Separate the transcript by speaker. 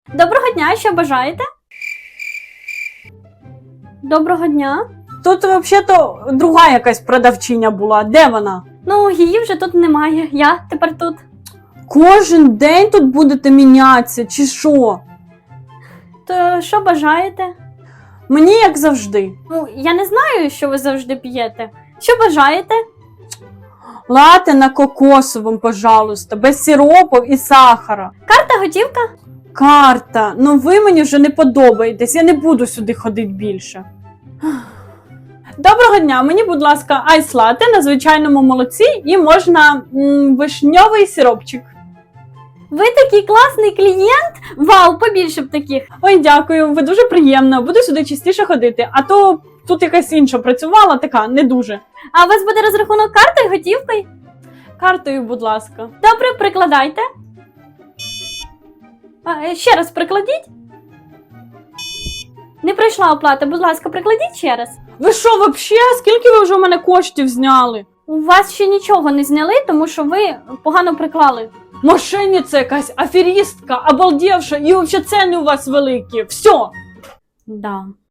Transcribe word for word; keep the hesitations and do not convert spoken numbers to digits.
Speaker 1: Доброго дня, що бажаєте? Доброго дня.
Speaker 2: Тут взагалі-то друга якась продавчиня була. Де вона?
Speaker 1: Ну, її вже тут немає. Я тепер тут.
Speaker 2: Кожен день тут будете мінятися, чи що?
Speaker 1: То що бажаєте?
Speaker 2: Мені як завжди.
Speaker 1: Ну, я не знаю, що ви завжди п'єте. Що бажаєте?
Speaker 2: Лате на кокосовому, пожалуйста, без сиропів і сахара.
Speaker 1: Карта, готівка?
Speaker 2: Карта, ну ви мені вже не подобаєтесь, я не буду сюди ходити більше. Доброго дня, мені, будь ласка, айс лате на звичайному молоці і можна м, вишньовий сиропчик.
Speaker 1: Ви такий класний клієнт? Вау, побільше б таких.
Speaker 2: Ой, дякую, ви дуже приємно, буду сюди частіше ходити, а то тут якась інша працювала, така, не дуже.
Speaker 1: А у вас буде розрахунок картою, готівкою?
Speaker 2: Картою, будь ласка.
Speaker 1: Добре, прикладайте. А, ще раз прикладіть. Не пройшла оплата, будь ласка, прикладіть ще раз.
Speaker 2: Ви що, взагалі? Скільки ви вже у мене коштів зняли?
Speaker 1: У вас ще нічого не зняли, тому що ви погано приклали.
Speaker 2: Мошенниця якась, аферістка, обалдівша, і взагалі ціни у вас великі. Все.
Speaker 1: Да.